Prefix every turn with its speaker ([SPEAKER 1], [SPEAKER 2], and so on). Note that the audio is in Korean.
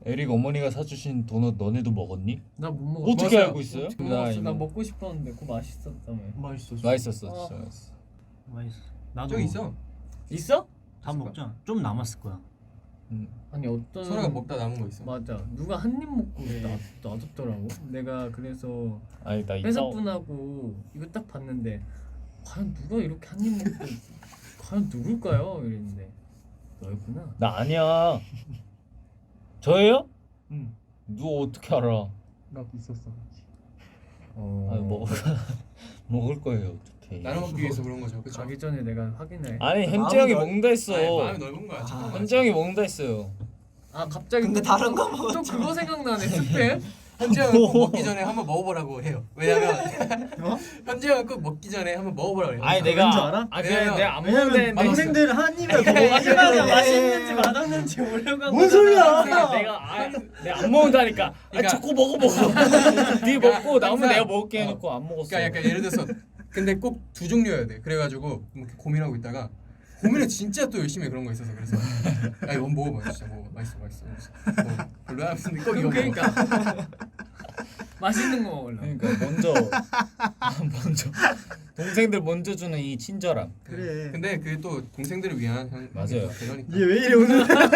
[SPEAKER 1] 에릭 어머니가 사주신 도넛 너네도 먹었니?
[SPEAKER 2] 나 못 먹었어.
[SPEAKER 1] 어떻게
[SPEAKER 3] 맞아요.
[SPEAKER 1] 알고 있어요?
[SPEAKER 2] 못 먹었어. 나 먹고 싶었는데 그거 맛있었다며.
[SPEAKER 4] 맛있었어.
[SPEAKER 1] 맛있었어, 진짜 맛있어.
[SPEAKER 4] 맛있어. 나도
[SPEAKER 3] 저기 있어.
[SPEAKER 2] 있어?
[SPEAKER 4] 다 먹자. 좀 남았을 거야.
[SPEAKER 2] 아니 어떤
[SPEAKER 3] 소라가 먹다 남은 거 있어.
[SPEAKER 2] 맞아. 누가 한 입 먹고 놔뒀더라고. 내가 그래서
[SPEAKER 1] 아니 나 이따
[SPEAKER 2] 회사분하고 이거 딱 봤는데 과연 누가 이렇게 한 입 먹고 과연 누굴까요? 이랬는데 너였구나.
[SPEAKER 1] 나 아니야. 저예요?
[SPEAKER 4] 응.
[SPEAKER 1] 누가 어떻게 알아?
[SPEAKER 4] 나도 있었어.
[SPEAKER 1] 아니 먹을 거예요 어떻게?
[SPEAKER 3] 나눠 먹기 위해서 그런 거죠. 그렇죠.
[SPEAKER 2] 가기 전에 내가 확인해.
[SPEAKER 1] 아니 햄찌 형이 먹는다 했어.
[SPEAKER 3] 마음이 넓은 거야. 착한 거야.
[SPEAKER 1] 햄찌 형이 먹는다 했어요.
[SPEAKER 2] 아 갑자기
[SPEAKER 4] 근데 다른 거
[SPEAKER 2] 또 그거 생각나네. 스팸?
[SPEAKER 3] 현재 형은 꼭 먹기 전에 한번 먹어보라고 해요. 왜냐면 현재 형은 꼭 먹기 전에 한번 먹어보라고 해요.
[SPEAKER 1] 아니
[SPEAKER 4] 왠지 알아?
[SPEAKER 1] 아
[SPEAKER 3] 왜냐면-
[SPEAKER 1] 내가 안 먹는데
[SPEAKER 4] 동생들 한 입에
[SPEAKER 2] 마지막에 맛있는지 맛없는지 모르고 한
[SPEAKER 4] 뭔
[SPEAKER 2] 거잖아.
[SPEAKER 4] 소리야?
[SPEAKER 1] 내가 안 먹는다니까.
[SPEAKER 3] 그러니까-
[SPEAKER 1] 자꾸 먹어. 네 먹고 남으면
[SPEAKER 3] 항상-
[SPEAKER 1] 내가 먹을게 해놓고 안 먹었어.
[SPEAKER 3] 그러니까 약간 예를 들어서 근데 꼭 두 종류여야 돼. 그래가지고 이렇게 고민하고 있다가 고민을 진짜 또 열심히 해 그런 거 있어서 그래서 야 이거 먹어봐 진짜 먹어 맛있어. 별로야 근데 꼭 이거 먹어.
[SPEAKER 2] 그러니까 맛있는 거 먹으려고.
[SPEAKER 1] 그러니까 먼저 동생들 먼저 주는 이 친절함.
[SPEAKER 4] 그래.
[SPEAKER 3] 근데 그게 또 동생들을 위한
[SPEAKER 1] 맞아요.
[SPEAKER 3] 배려니까.
[SPEAKER 4] 얘 왜 이래 오늘?